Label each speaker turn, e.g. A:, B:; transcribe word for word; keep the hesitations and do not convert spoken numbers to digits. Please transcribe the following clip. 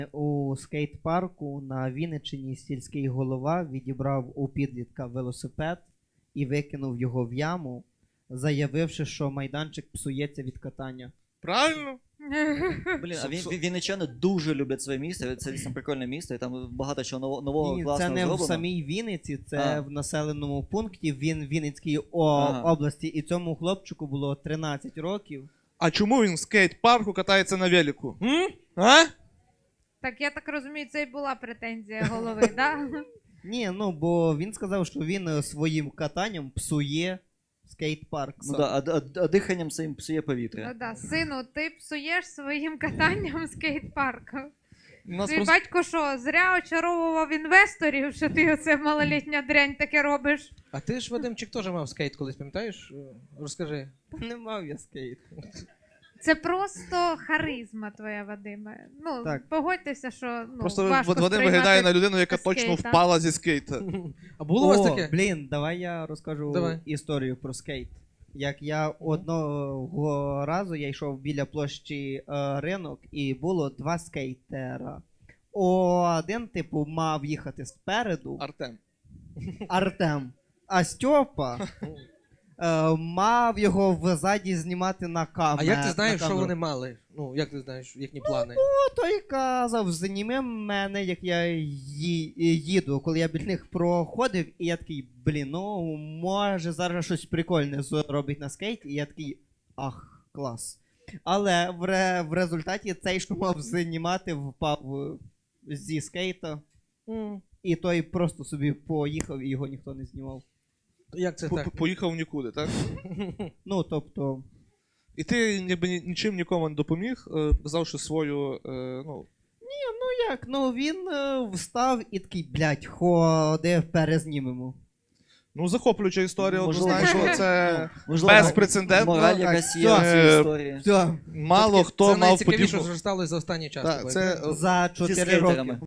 A: У скейт-парку на Вінниччині сільський голова відібрав у підлітка велосипед і викинув його в яму, заявивши, що майданчик псується від катання.
B: Правильно?
C: Блін, а він, вінничани дуже люблять своє місце, це дійсно прикольне місто, і там багато чого нового, нового
A: Ні,
C: класного
A: це не
C: зроблено.
A: в самій Вінниці, це
C: А.
A: в населеному пункті він, Вінницькій о,
C: Ага.
A: області, і цьому хлопчику було тринадцять років.
B: А чому він в скейт-парку катається на велику? М? А?
D: Так, я так розумію, це і була претензія голови, так?
A: Ні, ну бо він сказав, що він е, своїм катанням псує скейт-парк.
C: Ну
A: сам.
C: да, а, а, а диханням своїм псує
D: Ну
C: повітря.
D: да, сину, ти псуєш своїм катанням скейт-парку.
B: У нас
D: Твій
B: просто...
D: батько що, зря очаровував інвесторів, що ти оце малолітня дрянь таке робиш?
E: А ти ж, Вадимчик, теж мав скейт колись, пам'ятаєш? Розкажи.
A: Та не мав я скейт.
D: Це просто харизма твоя, Вадиме. Ну,
A: Так.
D: погодьтеся, що ну,
B: Просто
D: важко
B: Вадим
D: сприймати
B: виглядає на людину, яка
D: скейт,
B: точно
D: а?
B: впала зі скейта.
E: А було у вас
A: О,
E: таке?
A: блін, давай я розкажу
E: Давай.
A: історію про скейт. Як я одного разу я йшов біля площі е, ринок, і було два скейтера. Один, типу, мав їхати спереду,
B: Артем.
A: Артем, а Стьопа е, мав його взаді знімати на камеру.
E: А як ти знаєш, що вони мали? Ну, як ти знаєш їхні плани?
A: Той казав, зніми мене, як я ї- їду, коли я біля них проходив, і я такий, блін, ну, може зараз щось прикольне зробить на скейті, і я такий, ах, клас. Але в, ре- в результаті цей, що мав знімати, впав е, зі скейта, і той просто собі поїхав, і його ніхто не знімав.
E: Як це
B: По-
E: так?
B: Поїхав нікуди, так?
A: Ну, тобто,
B: І ти ніби ні- нічим нікому не допоміг, е, показавши свою, е, ну,
A: ну як, ну він е, встав і такий, блядь, ходи, перезнімемо.
B: ну захоплююча історія,
C: Можливо,
B: однозначно,
C: можливо.
B: це
C: Можливо,
B: безпрецедентно.
C: мораль
A: так,
C: якась є
A: все.
C: в цій
B: Е,
C: історії.
A: Все,
B: Мало
E: Це
B: хто
E: таке-
B: мав
E: Це найцікавіше,
B: подібну...
E: що сталося за останній час.
B: Так,
E: тобою,
B: це
E: правда?
A: за
C: Зі
A: чотири
C: скейтерами.
A: роки.